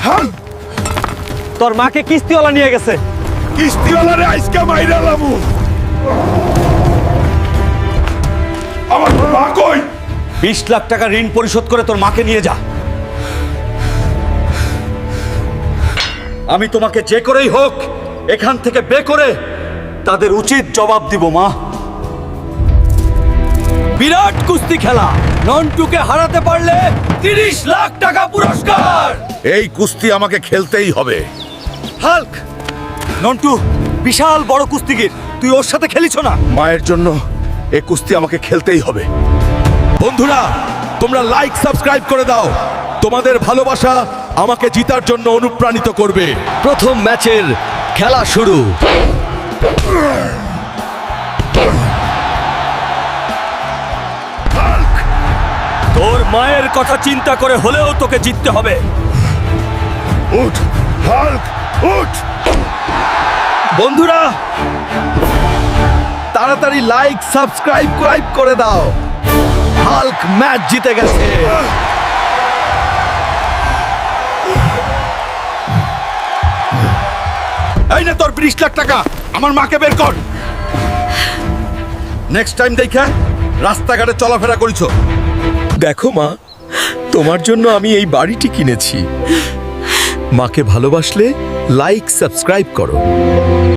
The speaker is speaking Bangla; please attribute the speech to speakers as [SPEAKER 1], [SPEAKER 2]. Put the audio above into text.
[SPEAKER 1] হাল্ক
[SPEAKER 2] তোর মাকে কিস্তিওয়ালা নিয়ে গেছে।
[SPEAKER 1] কিস্তিওয়ালারে আইসকা মাইরা লামু। আমার মা কই?
[SPEAKER 2] 20 লাখ টাকা ঋণ পরিশোধ করে তোর মাকে নিয়ে যা। আমি তোমাকে যে করেই হোক এখান থেকে বে করে তাদের উচিত জবাব দিব মা। বিরাট কুস্তি খেলা, নন্টুকে হারাতে পারলে 30 লাখ টাকা পুরস্কার।
[SPEAKER 1] এই কুস্তি আমাকে খেলতেই হবে।
[SPEAKER 2] হাল্ক, নন্টু বিশাল বড় কুস্তিগির, তুই ওর সাথে খেলিস না।
[SPEAKER 1] মায়ের জন্য এই কুস্তি আমাকে খেলতেই হবে। বন্ধুরা, তোমরা লাইক সাবস্ক্রাইব করে দাও। তোমাদের ভালোবাসা আমাকে জিতার জন্য অনুপ্রাণিত করবে।
[SPEAKER 2] প্রথম ম্যাচের খেলা শুরু। তোর মায়ের কথা চিন্তা করে হলেও তোকে জিততে হবে।
[SPEAKER 1] উঠ হাল্ক, উঠ।
[SPEAKER 2] বন্ধুরা
[SPEAKER 1] তাড়াতাড়ি লাইক সাবস্ক্রাইব করে দাও।
[SPEAKER 2] হাল্ক ম্যাচ জিতে গেছে।
[SPEAKER 1] এই না তোর 20 লাখ টাকা, আমার মাকে বের কর। নেক্সট টাইম দেখা রাস্তাঘাটে চলাফেরা করিছো।
[SPEAKER 3] দেখো মা, তোমার জন্য আমি এই বাড়িটি কিনেছি। মাকে ভালোবাসলে লাইক সাবস্ক্রাইব করো।